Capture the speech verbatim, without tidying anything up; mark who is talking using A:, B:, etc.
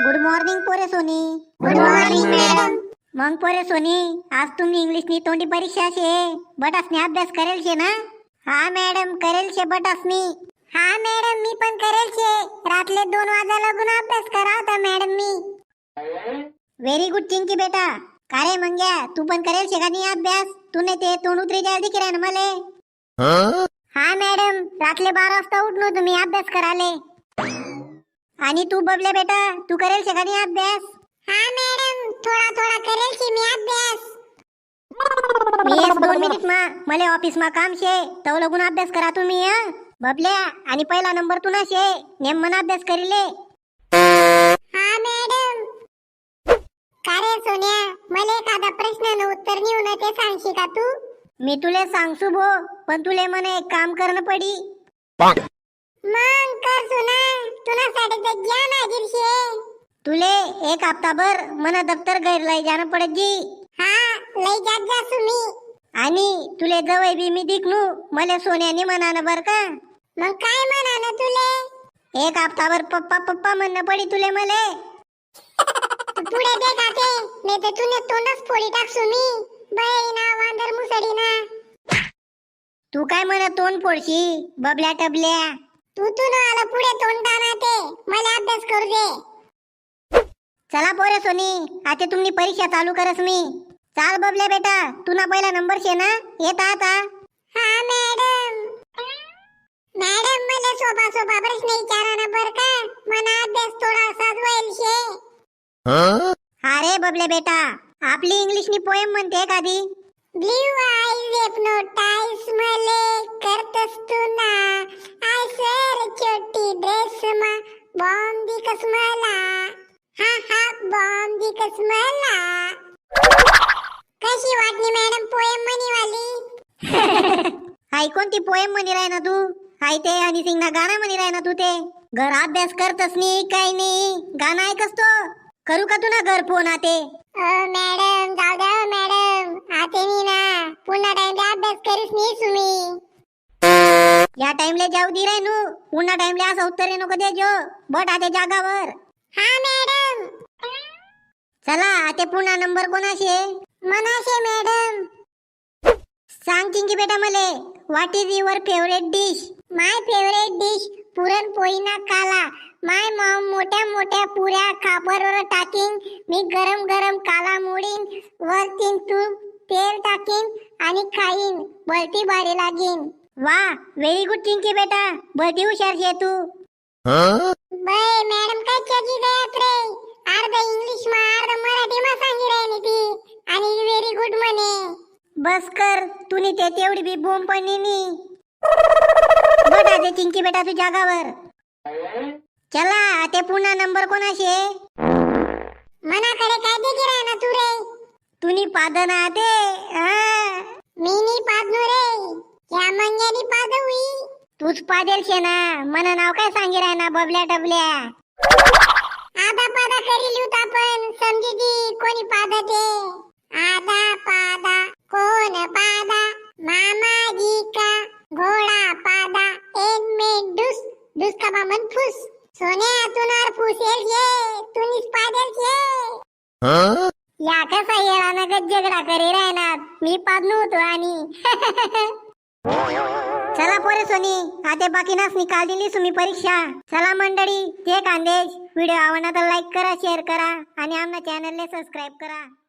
A: Good morning पोरे सोनी.
B: Good morning madam.
A: मग पोरे सोनी, आज तुम्ही इंग्लिशनी तोंडी परीक्षा शे, बटासनी अभ्यास करेल शे ना? हा मॅडम करेल शे बटासनी.
B: हा मॅडम मी पण करेल शे. रातले दोन वाजा लागून अभ्यास करा होता मॅडम मी.
A: व्हेरी गुड चिंकी बेटा. का रे मंग्या, तू पण करेल शे का नाही अभ्यास? तू नाही ते तोंड उतरी जायला दिकी राय ना मले.
B: हा मॅडम, रातले बारा वाजता उठलो तुम्ही अभ्यास कराले.
A: आणि तू बबल्या बेटा, तू करेल शे का नाही अभ्यास?
B: हा मॅडम, थोडा थोडा करेल शे मी अभ्यास.
A: मी एक दोन मिनिट मा मले ऑफिस मा काम शे, तव लगून अभ्यास करा तुम्ही. हा बबल्या, आणि पहिला नंबर तू ना शे, नेम मन अभ्यास करीले.
B: हा मॅडम. का रे सोन्या, मला एखादा प्रश्नानं उत्तर नेऊन ते सांगशी का तू?
A: मी तुले सांगसू भो, पण तुले मने एक काम करणं पडी.
B: मग कर सुना, तुनासाठी तर ज्ञान हाजीर शे.
A: तुले एक हप्ताभर मना दफ्तर गैर लय जाणं पडत जी.
B: हा, लय जात जा सुमी.
A: आणि तुले जवळ बी मी दिखनू, मले सोन्याने म्हणानं बर का.
B: मग काय म्हणा ना तुले?
A: एक हप्ताभर पप्पा पप्पा म्हणणं पडी तुले मले.
B: तू पुढे दे खाते, नाही तर तुने तोंडच फोडी टाक सुमी. बैना वांदर मुसडी ना.
A: तू काय म्हणत तोंड फोडशी बबल्या टबल्या?
B: तू तू न आला पुढे तोंड टाना ते, मला अभ्यास करू दे.
A: चला पोरे सोनी, आता तुम्ही परीक्षा चालू करस मी. चाल बबल्या बेटा, तू ना पहिला नंबर शे ना, येता आता.
B: हा मॅडम. मॅडम, मला सोपा सोपा प्रश्न विचारा ना बर का, मना अभ्यास थोडासा होईल शे.
A: हा रे बबल्या बेटा, आपली इंग्लिशनी पोएम म्हणते एखादी.
B: ब्ल्यू आईज हिप्नोटाइज मले करतस तू ना. आय सर छोटी ड्रेस मा बॉम्ब दिकस मला. हा हा बॉम्ब दिकस मला. कशी वाटली मॅडम पोएम म्हणी वाली?
A: हाय कोणती पोएम म्हणी राय ना तू? हाय ते हनी सिंग ना गाणं म्हणी राय ना तू ते? घर अभ्यास करतस नी काय नी, गाणं ऐकस तो? करू का तू ना घर फोन आते?
B: ओ मॅडम, जाऊ द्या मॅडम, आते मी ना. पुन्हा टाइम अभ्यास करीस नी तुम्ही.
A: या टाइमले जाऊ दी राय नू, पुन्हा टाइमले असं उत्तर नको दे जो. बट आते जागावर.
B: हा मॅडम.
A: चला आते पुन्हा नंबर कोणाशे?
B: मनाशे मॅडम.
A: सांग चिंकी बेटा मले, what is your favourite dish?
B: My favourite dish puranpoli ना काला. माय मॉम मोठ्या मोठ्या पुऱ्या खापरवर टाकीन. मी गरम गरम काला मोडीन, वरतीन तूप तेल टाकीन आणि खाईन. बलती भारी लागीन.
A: वा, व्हेरी गुड चिंकी बेटा, बलती हुशार शे तू.
B: बाय मॅडम, काय चजी गयात रे. अर्ध इंग्लिश मा अर्ध मराठी मा सांगी राहिली ती, आणि व्हेरी गुड म्हणे.
A: बस कर, तूनी ते तेवढी बी बोंब पडली नी. बट आते चिंकी बेटा तू जागावर. चला आते पुन्हा नंबर कोणाशे?
B: मनाकडे काय देखी राह ना तू रे.
A: तुनी पादन आते.
B: मी नी पादनो रे, या मंग्यानी पाद हुई.
A: तूच पादेल शे ना, मना नाव काय सांगी राय ना बबल्या टबल्या.
B: आधा पादा करी लिहूत आपण, समजी ती कोणी पादते. आधा पादा कोण पादा, मामाजी का घोडा पादा. एक में डुस डुस का बामन फुस. सोन्या तुनार फुसेल शे, तुनीच पादेल शे.
A: या कसा येळा ना गज्जगडा करी राय ना, मी पादनो होतो आणि. चला पोरे सोनी, आता बाकी नाच निकाल दिली तुम्ही परीक्षा. चला मंडळी, ते खानदेश व्हिडिओ आवडला तर लाईक करा, शेअर करा आणि आमच्या चॅनलला सबस्क्राईब करा.